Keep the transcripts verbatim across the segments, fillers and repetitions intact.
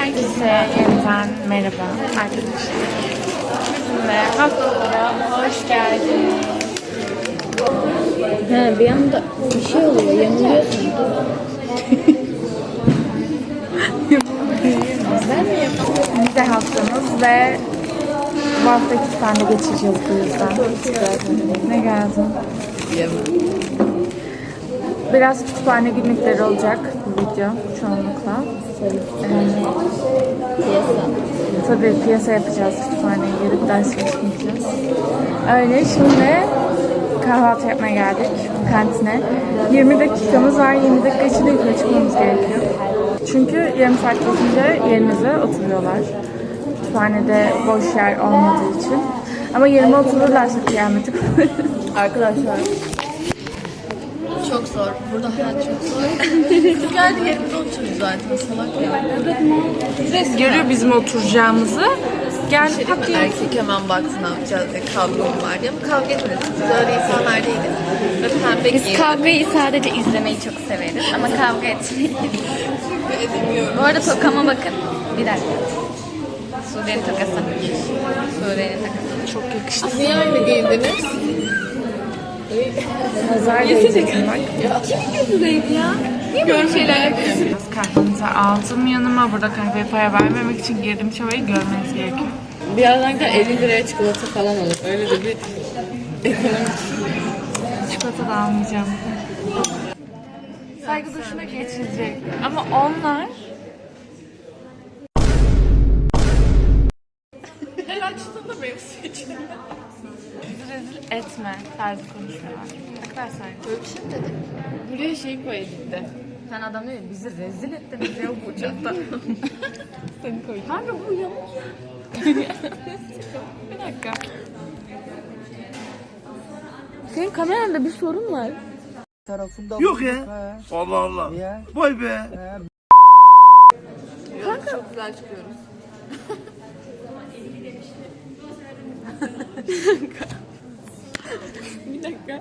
Herkese yeniden merhaba arkadaşlar. Ve haftalara hoş geldiniz. He, bir anda bir şey oluyor, yanılıyorsun. Ben mi yapayım? Vize haftamız ve bu hafta iki tane geçireceğiz bu yüzden. Ne geldi? Biraz kütüphane günlükleri olacak bu video çoğunlukla. Ee, Piyasa. tabii piyasa yapacağız, kütüphaneye girip ders çalışmayacağız. Öyle şimdi kahvaltı yapmaya geldik kantine. yirmi dakikamız var, yirmi dakika içinde yukarı çıkmamız gerekiyor. Çünkü yarım saat geçince yerimize oturuyorlar. Kütüphanede boş yer olmadığı için. Ama yerime otururlarsa kıyameti koparız. Arkadaşlar. Çok zor. Burada hayat çok zor. Biz geldi yerimize oturuyoruz zaten. Salak ya. Görüyor bizim oturacağımızı. Gel Şey değil mi? Erkek hemen baktı ne yapacağız diye kavga mı var diye. Ama kavga etmedik. Biz öyle insanlar değiliz. Ve pembe Biz giyindik. kavgayı sadece izlemeyi çok severiz ama kavga etmeyi. Bu arada tokama bakın. Bir dakika. Sude'nin tokası. Sude'nin takası. Çok yakıştı. Niye öyle giyindiniz? Nazar değeceksin bak. Gözündeydi ya. Niye böyle şeyler yapıyorsun? Biraz kahvenizi aldım yanıma. Burada kahveye para vermemek için girdim çabayı görmeniz gerekiyor. Birazdan elli liraya çikolata falan olur. Öyle de bir ekonomik. Çikolata da almayacağım. Saygı duruşuna geçilecek. Ama onlar... Her açtığında benim seçim. Bizi rezil etme tarzı konuşuyorlar. Arkadaşlar. Böyle bir şey mi dedik? Buraya şey koy edildi. Sen adam diyor ya, bizi rezil ettiniz ya bu uçakta. Seni koyacağım. Kanka bu yamuk ya. Bir dakika. Senin kameranda bir sorun var. Yok ya. Allah Allah. Vay be. Kanka. Çok güzel çıkıyoruz. Bir dakika.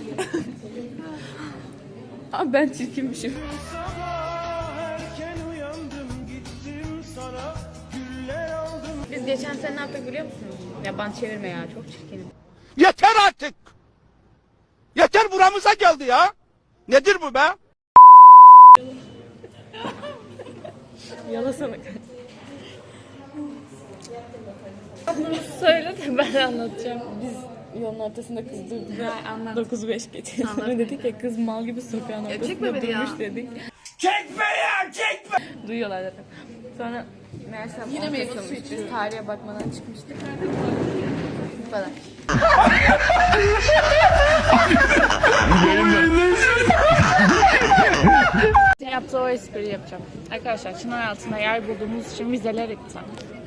Abi ben çirkinmişim. Biz geçen sene ne yaptık biliyor musunuz? Ya bana çevirme ya, çok çirkinim. Yeter artık. Yeter buramıza geldi ya. Nedir bu be? Yalasana. Söyle de ben anlatacağım. Biz yolun ortasında kız durduk. dokuz beş geçiyor. Sonra dedik ya kız mal gibi sokağın ortasında çekme beni ya. durmuş dedik. Çekme ya çekme. Duyuyorlar zaten. Sonra meğersem Yine on meyve Kasım'mış. suyu Biz içiyorum. tarihe bakmadan çıkmıştık. Bu kadar. Yaptığı o espriyi yapacağım. Arkadaşlar çınar altında yer bulduğumuz için vizeler iptal.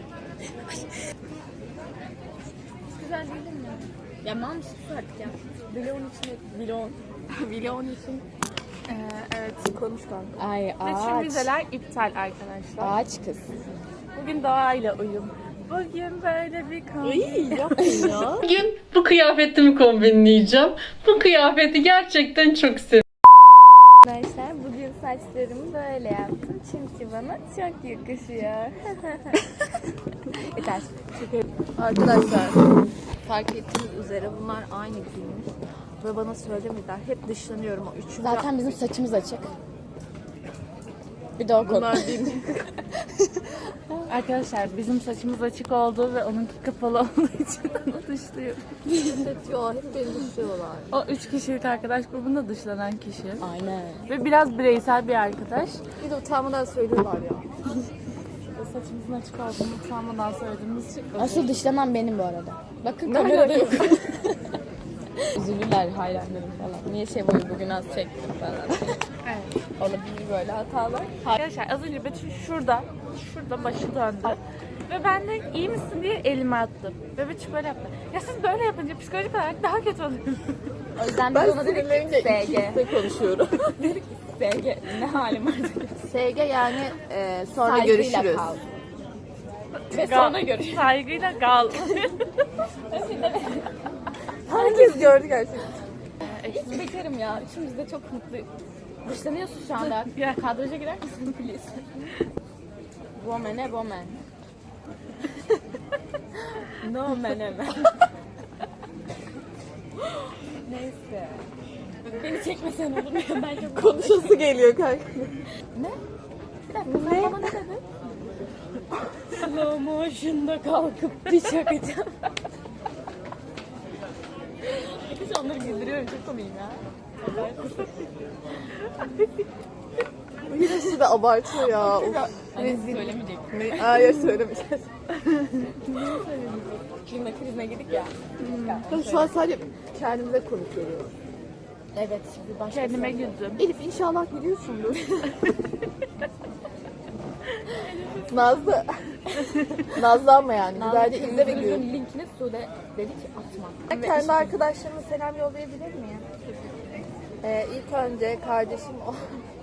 Güzel değil mi? Ya mal mısın sus artık ya. Vlog'un içine vlog. Vlog'un için. Ee, evet konuş kanka. Ay Ve tüm ağaç. vizeler iptal arkadaşlar. Ağaç kız. Bugün doğayla uyum. Bugün böyle bir konu. Yapmayın ya. Bugün bu kıyafetimi kombinleyeceğim. Bu kıyafeti gerçekten çok seviyorum. Arkadaşlar bugün saçlarımı böyle yaptım çünkü bana çok yakışıyor. Yeter. Arkadaşlar fark ettiğiniz üzere bunlar aynı giyinmiş. Ve bana söylemediler. Hep dışlanıyorum o üçü. Zaten bizim saçımız açık. Bir de o konu. Bunlar değil mi? Arkadaşlar bizim saçımız açık olduğu ve onunki kapalı olduğu için onu dışlıyor. Diyorlar. Hep beni dışlıyorlar. O üç kişilik arkadaş grubunda dışlanan kişi. Aynen. Ve biraz bireysel bir arkadaş. Bir de utanmadan söylüyorlar ya. Saçımızın açık olduğunu utanmadan söylediğimiz için. Asıl dışlanan benim bu arada. Bakın kamerada yok. Üzülürler hayranlarım falan. Niye şey boyu bugün az çektim falan. Evet. Olabilir böyle hatalar. Arkadaşlar az önce Betül şurada, şurada başı döndü. Ve ben de iyi misin diye elime attım. Ve Betül böyle yaptı. Ya siz böyle yapınca psikolojik olarak daha kötü oluyorsunuz. O yüzden biz ona dedik ki S G. konuşuyorum. Dedik ki S G ne halim var dedik. S G yani e, sonra Saygıyla görüşürüz. kal. Ve sonra görüşürüz. Saygıyla kal. Herkes gördü gerçekten. Hiç bekarım ya. Üçümüz de çok mutlu. Dışlanıyorsun şu anda. Ya. Kadraja girer misin please? Bomene bomen. No meneme. Neyse. Beni çekmesen olur mu? Bence Konuşası geliyor kanka. bir dakika sen bana ne dedin? Slow motion'da kalkıp bir çakacağım. Hiç onları güldürüyorum, çok komiyim ya. Birisi de abartıyor ya. Of. Hani söylemeyecek. Hayır söylemeyeceğiz. Klima krizine girdik ya. Ben şu an sadece kendimize konuşuyoruz. Evet, şimdi başka Kendime güldüm. Elif inşallah gülüyorsundur. Nazlı. Nazlı ama yani. Güzelce izle ve gül. linkini Sude dedi ki atma. Ben kendi arkadaşlarıma selam yollayabilir miyim? Ee, ilk önce kardeşim o.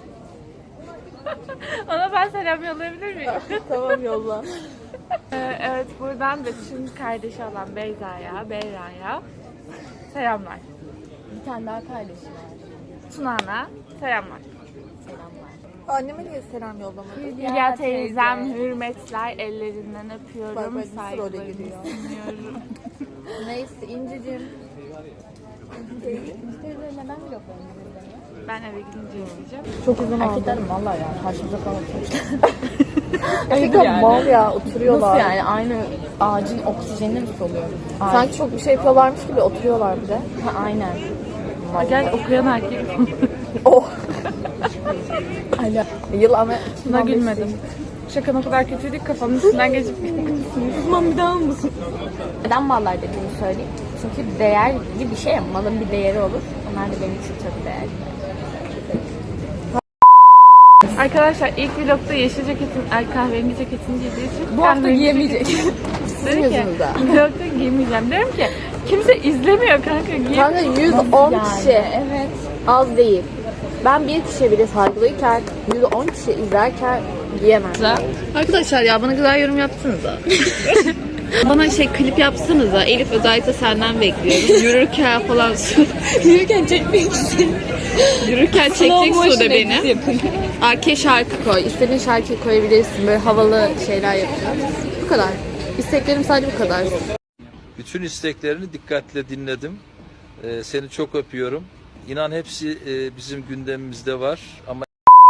Ona ben selam yollayabilir miyim? Tamam yolla. Ee, evet, buradan da tüm kardeşi olan Beyza'ya, Beyra'ya selamlar. Bir tane daha kardeşim var. Tuna'na selamlar. Selamlar. Anneme niye selam yollamadın? Hülya teyzem, hürmetler, ellerinden öpüyorum, Bak, bak, nasıl role saygılarımı giriyor. sunuyorum. Neyse İncicim. Müşterileri neden vloglarını izlemiyor? Ben eve gidince izleyeceğim. Çok uzun oldu. Erkeklerim valla ya karşımıza falan oturmuşlar. Erkekler mal ya oturuyorlar. Nasıl yani aynı ağacın oksijenini mi soluyoruz? Ağaç. Sanki çok bir şey yapıyorlarmış gibi oturuyorlar bir de. Ha, aynen. Gel okuyan erkek. Oh. Yıl ama Buna gülmedim. Şakan o kadar kötüydü ki kafamın üstünden geçip Uzman bir daha mısın? Neden mallar dediğimi söyleyeyim. Çünkü değerli bir şey ya, malın bir değeri olur. Onlar da benim için çok değerli. Arkadaşlar ilk vlogda yeşil ceketin, ay kahverengi ceketini giydiği için Bu hafta kahverengi giyemeyecek. sizin Dedim ki, yüzünüzden. vlogda giymeyeceğim. Diyorum ki kimse izlemiyor kanka, giy. Kanka yüz on Yani, kişi evet. az değil. Ben bir kişiye bile saygılıyken yüz on kişi izlerken giyemem. Arkadaşlar ya bana güzel yorum yapsanıza. Bana şey klip yapsanıza. Elif özellikle senden bekliyorum. Yürürken falan Yürürken çekmek istedim. Yürürken çekecek Sude beni. Arkaya şarkı koy. İstediğin şarkıyı koyabilirsin. Böyle havalı şeyler yapacağız. Bu kadar. İsteklerim sadece bu kadar. Bütün isteklerini dikkatle dinledim. Ee, seni çok öpüyorum. İnan hepsi e, bizim gündemimizde var ama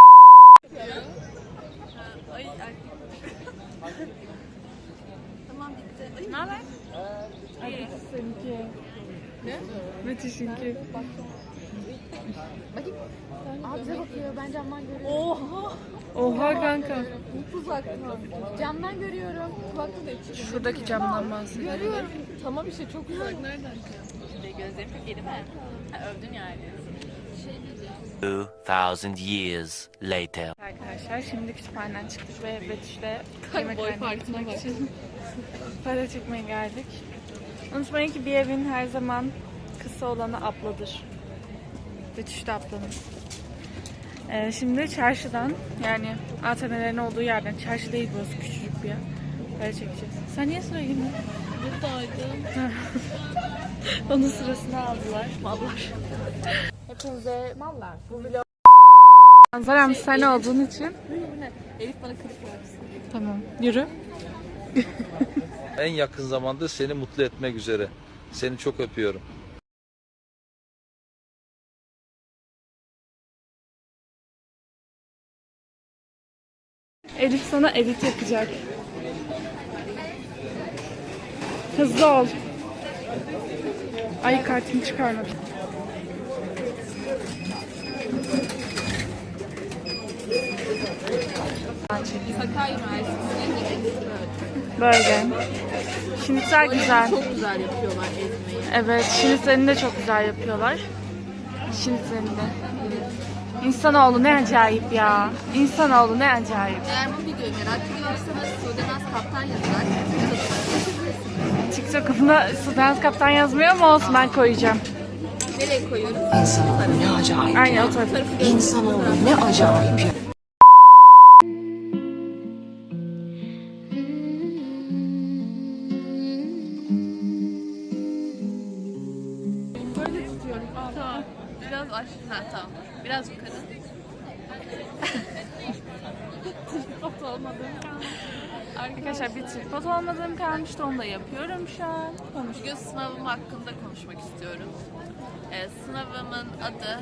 Müthişinki. Aa bize bakıyor, ben camdan görüyorum. Oha kanka. Camdan görüyorum. Kulaklığı da açık. Şuradaki camdan bahsediyorum. Görüyorum. Tamam işte çok uzak. Nereden? Gözlerim çok yedi mi? Ha, övdün yani. Two thousand years later. Arkadaşlar şimdi kütüphaneden çıktık ve Betüş'le yemekhaneye gitmek için para çekmeye geldik. Unutmayın ki bir evin her zaman kısa olanı abladır. Betüş de ablanın. Ee, şimdi çarşıdan, yani A T M'lerin olduğu yerden, çarşı değil burası, küçücük bir yer. Para çekeceğiz. Sen niye sıraya girdin? Buradaydım. Onun sırasını aldılar. Mallar. Hepinize mallar. Bu vlog. Manzaram sen olduğun için. Elif bana klip yapsın. Tamam. Yürü. en yakın zamanda seni mutlu etmek üzere. Seni çok öpüyorum. Elif sana edit yapacak. Hızlı ol. Ay kartımı çıkarmadım. Sakarya Üniversitesi'ne Böyle. Şinitler güzel. çok güzel yapıyorlar ezmeyi. Evet, şinitlerini de çok güzel yapıyorlar. Şinitlerini de. İnsanoğlu ne acayip ya. İnsanoğlu ne acayip. Eğer bu videoyu merak ediyorsanız Sudenaz Kaptan yazarak TikTok'umda Sudanaz Kaptan yazmıyor mu, olsun ben koyacağım. nereye koyuyoruz? İnsanoğlu ne acayip Aynen ya. o tarafa. İnsanoğlu ne acayip ya. Tamam. Biraz aşağı. Ha, tamam. Biraz yukarı. Foto olmadı. Arkadaşlar bir tripod olmadığım kalmıştı. Onu da yapıyorum şu an. Bugün sınavım hakkında konuşmak istiyorum. Ee, sınavımın adı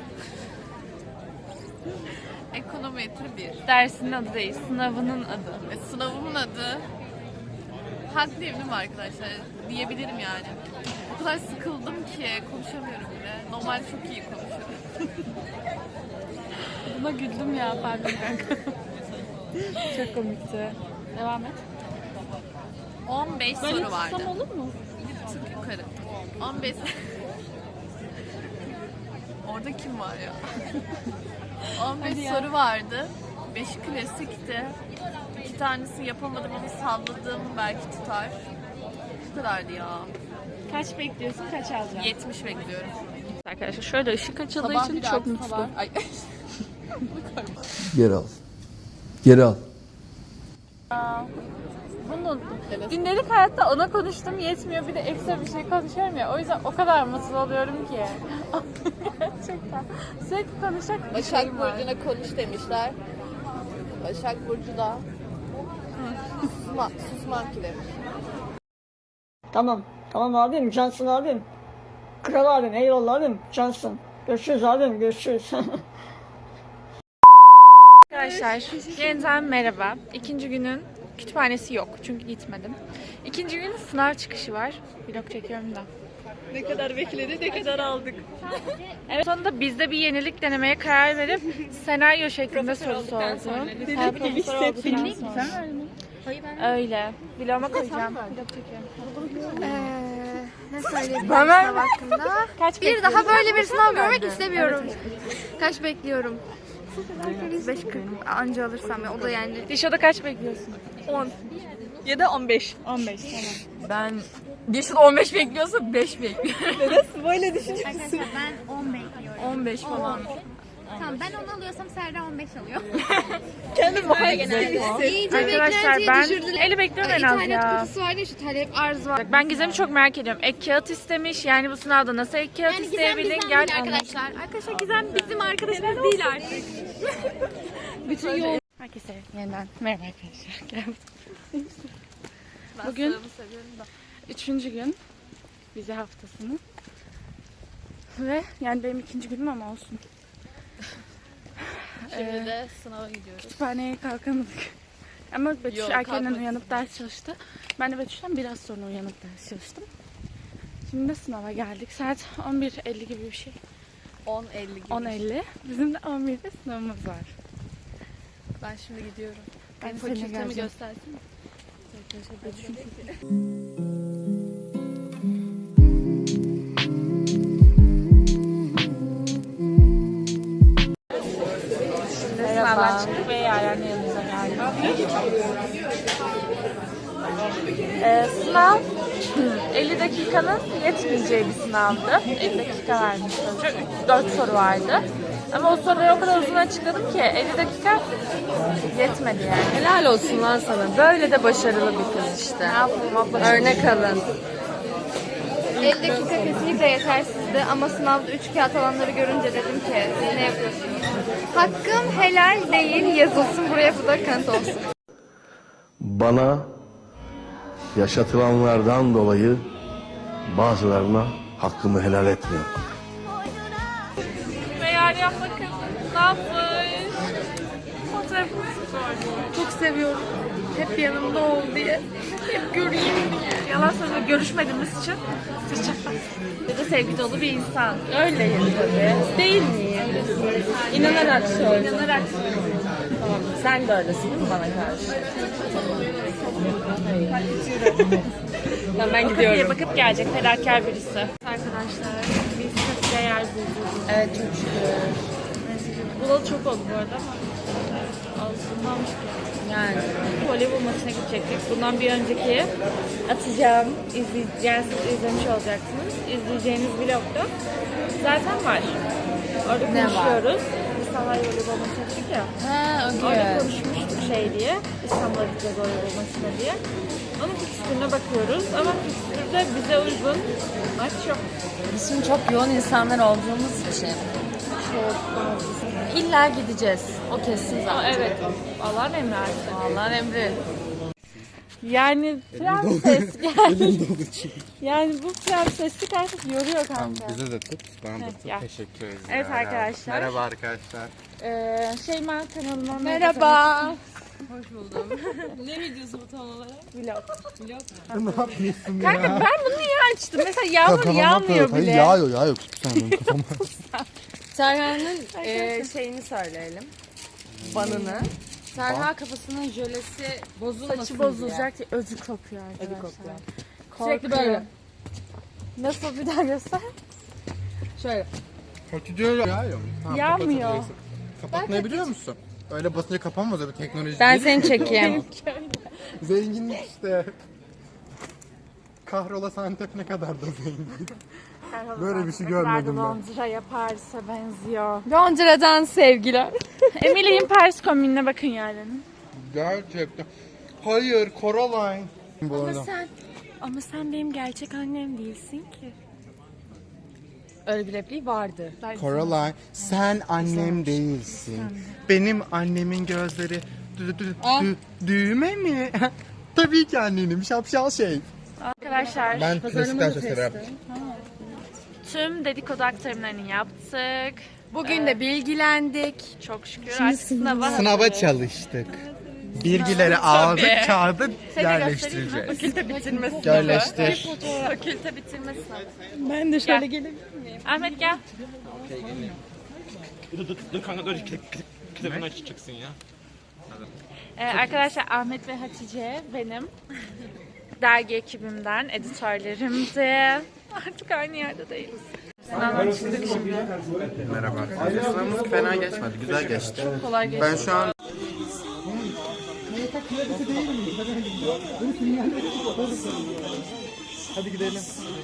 Ekonometri bir. Dersinin adı değil, sınavının adı. E, sınavımın adı haklıyım değil mi arkadaşlar? Diyebilirim yani. O kadar sıkıldım ki konuşamıyorum bile. Normalde çok iyi konuşuyorum. Buna güldüm ya, pardon kanka. Çok komikti. Devam et. on beş soru vardı. Böyle olur mu? Bir tık yukarı. on beş Orada kim var ya? on beş soru vardı. beşi klasikti. İki tanesini yapamadım ama salladım, belki tutar. Bu kadardı ya. Kaç bekliyorsun, kaç alacaksın? yetmiş bekliyorum. Arkadaşlar şöyle ışık açıldığı Sabah için bir çok artı mutluyum. sabah- Ay. Geri al. Geri al. Bunu unuttum. Gündelik hayatta ona konuştum yetmiyor, bir de ekstra bir şey konuşuyorum ya. O yüzden o kadar mutlu oluyorum ki. Gerçekten. Sürekli konuşacak bir Başak şeyim var. Burcu'na konuş demişler. Başak Burcu da susma, susmam ki demiş. Tamam. Tamam abim. Cansın abim. Kral abim. Eyvallah abim. Cansın. Görüşürüz abim. Görüşürüz. Arkadaşlar yeniden merhaba. İkinci günün kütüphanesi yok çünkü gitmedim. İkinci günün sınav çıkışı var. Vlog çekiyorum da. Ne kadar bekledik, ne kadar aldık. Evet, sonunda biz de bir yenilik denemeye karar verip senaryo şeklinde soru sordum. Her profesör olduktan sonra. Öyle. Vloguma koyacağım. Vlog çekiyorum. Ee, ne söyleyebilirim sınav hakkında? Kaç Bir daha böyle bir sınav görmek istemiyorum. Kaç bekliyorum? beş kırk anca alırsam ya, o da yani. Dişo'da kaç bekliyorsun? on. Ya da on beş. on beş tamam. Ben bir on beş bekliyorsa beş bekliyorum. Nasıl böyle düşünüyorsun? Arkadaşlar ben on bekliyorum. on beş falan. Tamam, ben onu alıyorsam Serra on beş alıyor. Kendim var genelde. Arkadaşlar ben eli bekliyorum en az ya. kutusu var ya, şu talep arz var. Ben Gizem'i çok merak ediyorum. Ek kağıt istemiş. Yani bu sınavda nasıl ek kağıt Yani Gizem isteyebilin? bizden Gel değil anlat. arkadaşlar. Arkadaşlar Gizem bizim arkadaşımız değil artık. Bütün yol. Herkese yeniden merhaba arkadaşlar. Gel. Bugün üçüncü gün vize haftasının ve yani benim ikinci günüm ama olsun. Şimdi de sınava gidiyoruz. Kütüphaneye kalkamadık. Ama Betüş Yok, erkenden kalkmadık. uyanıp ders çalıştı. Ben de Betüş'ten biraz sonra uyanıp ders çalıştım. Şimdi de sınava geldik. Saat on bir elli gibi bir şey. on elli gibi. on elli. Bizim de on birde sınavımız var. Ben şimdi gidiyorum. Ben Ben seninle fakültemi geleceğim. göstersin mi? Sınavdan çıktık ve Yaren yanımıza geldik. Ee, sınav elli dakikanın yetmeyeceği bir sınavdı. elli dakika vermiş hoca. dört soru vardı. Ama o soruları o kadar uzun açıkladım ki elli dakika yetmedi yani. Helal olsun lan sana. Böyle de başarılı bir kız işte. Ne yapalım abla? Örnek alın. elli dakika kesinlikle yetersizdi ama sınavda üç kağıt alanları görünce dedim ki siz ne yapıyorsunuz? Hakkım helal değil yazılsın buraya, bu da kanıt olsun. Bana yaşatılanlardan dolayı bazılarına hakkımı helal etmiyorum. Ve Yaren bakın ne yapmış? Fotoğrafımızı sordu. Çok seviyorum. Hep yanımda ol diye. Hep göreyim diye. Yalan söylüyor, görüşmediğimiz için sıçak. Bir de sevgi dolu bir insan. Öyleyim tabii. Değil miyim? İnanarak söyle. İnanarak. Tamam. Sen de öylesin değil mi bana karşı? Tamam, ben O kafeye gidiyorum. bakıp gelecek fedakar birisi. Arkadaşlar biz çok değer bulduk. Evet, çok şükür. Bulalı çok oldu bu arada ama alışılmamış ki. Yani. Voleybol maçına gidecektik. Bundan bir önceki atacağım, izleyeceğiz, izlemiş olacaksınız. İzleyeceğiniz vlogda zaten var. Orada Ne var? konuşuyoruz. İnsanlar voleybol maçına gittik ya. Ha, Orada okey. konuşmuştuk şey diye. İstanbul'a gideceğiz voleybol maçına diye. Onun fikstürüne bakıyoruz ama fikstürde bize uygun maç yok. Biz şimdi çok yoğun insanlar olduğumuz için illa gideceğiz. O kesin Ama zaten. evet, Allah'ın emri artık. Allah'ın emri. Yani prenses yani. Yani bu prenseslik artık yoruyor kanka. Bize de tut. Bana da Evet, tut. ya. Teşekkür ederim. Evet arkadaşlar. Merhaba arkadaşlar. Ee, Şeyma kanalıma Merhaba. Hoş buldum. Ne videosu bu tam olarak? Vlog. Vlog Ne yapıyorsun Kanka ben bunu niye açtım? Mesela yağmur yağmıyor bile. Yağıyor yağıyor. Sen benim kafama. Serhan'ın e, şeyini söyleyelim. Banını. Serhan kafasının jölesi bozulmasın Saçı bozulacak diye özü kopuyor arkadaşlar. Ödü kopuyor. Korkuyorum. Sürekli böyle. Nasıl bir daha göster? Şöyle. Kötü diyor yağıyor. Tamam, Yağmıyor. kapatabilirsin. Kapatmayı biliyor musun? Öyle basınca kapanmaz öyle teknoloji Ben değil. seni çekeyim. Zenginlik işte. Kahrola Santep ne kadar da zengin. Böyle bir şey görmedim ben. Londra'ya, Paris'e benziyor. Londra'dan sevgiler. Emily'in Paris kombinine bakın yani. Gerçekten. Hayır, Coraline. Ama sen, ama sen benim gerçek annem değilsin ki. Öyle bir repliği vardı. Coraline, sen annem değilsin. Benim annemin gözleri dü, dü, dü, düğme mi? Tabii ki annenim, şapşal şey. Arkadaşlar Ben klasikten çok severim. tüm dedikodu aktarımlarını yaptık. Bugün de bilgilendik. Çok şükür artık sınava Sınava çalıştık. Bilgileri aldık, kağıdı Seni yerleştireceğiz. Fakülte bitirme sınavı. Yerleştir. Fakülte bitirme sınavı. Ben de şöyle Gel. gelebilir miyim? Ahmet gel. Dur kanka dur kitabını açacaksın ya. Ee, arkadaşlar Ahmet ve Hatice benim dergi ekibimden editörlerimdi. Artık aynı yerde değiliz. Sınavdan çıktık şimdi. Merhaba arkadaşlar. Sınavımız fena geçmedi, güzel geçti. Kolay geçti. Ben şu an hadi gidelim.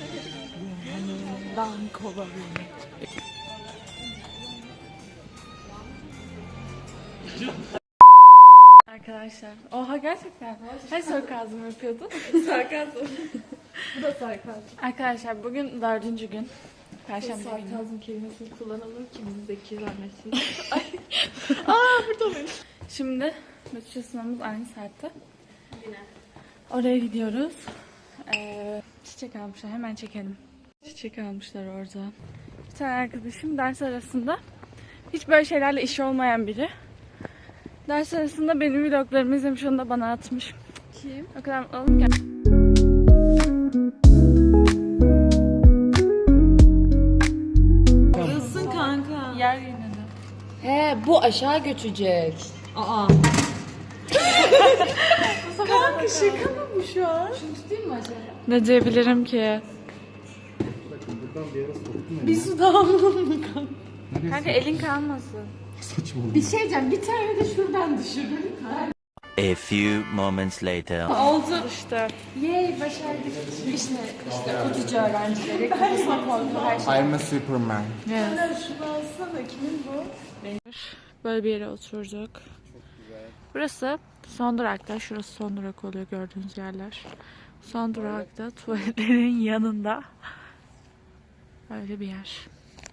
Arkadaşlar. Oha gerçekten. Her sarkazm yapıyordun. Sarkazm. Bu da sarkazm. Arkadaşlar bugün dördüncü gün. Perşembe günü. Sarkazm kelimesini kullanalım ki bizi zeki zannetsin. Aa burada mıyım? Şimdi bütçe sınavımız aynı saatte. Yine. Oraya gidiyoruz. Ee, çiçek almışlar. Hemen çekelim. Çiçek almışlar orada. Bir tane arkadaşım ders arasında hiç böyle şeylerle işi olmayan biri. Ders arasında benim vloglarımı izlemiş, onu da bana atmış. Kim? O kadar mutlu oldum ki. Kızsın kanka. Yer yine de. He bu aşağı göçecek. Aa. Kanka şaka mı bu şu an? Şunu tutayım mı aşağıya? Ne diyebilirim ki? Bir su damlalım mı kanka? Kanka elin kalmasın. Bir şey diyeceğim, bir tane de şuradan düşürün. A few moments later. Oldu. İşte. Yay başardık. İşte, işte kutucu öğrencileri. Kafasına koydu her şey. I'm a Superman. Evet. Şunu alsana, kimin bu? Böyle bir yere oturduk. Burası son durakta. Şurası son durak oluyor gördüğünüz yerler. Son durakta tuvaletlerin yanında. Böyle bir yer.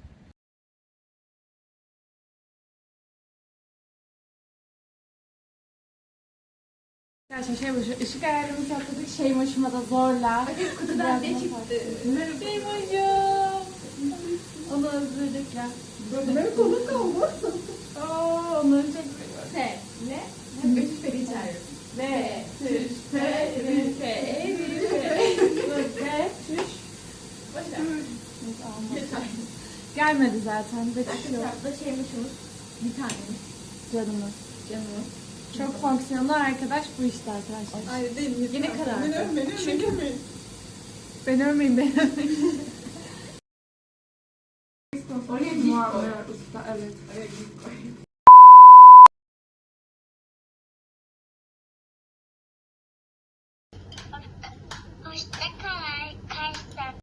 Arkadaşlar şey bu, ışık ayarlarını sakladık. Şey başıma da zorla. Kutudan ne çıktı? Şey başım. Onu özledik ya. Böyle konu kaldı. Ooo onları çok seviyorum. Se, ne? Üç peri çağırıyorum. Ve, tüş, pe, ri, fe, e, ri, fe. Ve, tüş. Başla. Gelmedi zaten. Bekliyor. Da şeymişimiz. Bir tanemiz. Canımız. Canımız. Çok fonksiyonlu arkadaş bu işte arkadaşlar. Hayır değil. Yine karar. Beni övmeyin. Çünkü Beni övmeyin, beni övmeyin. Oraya usta, evet.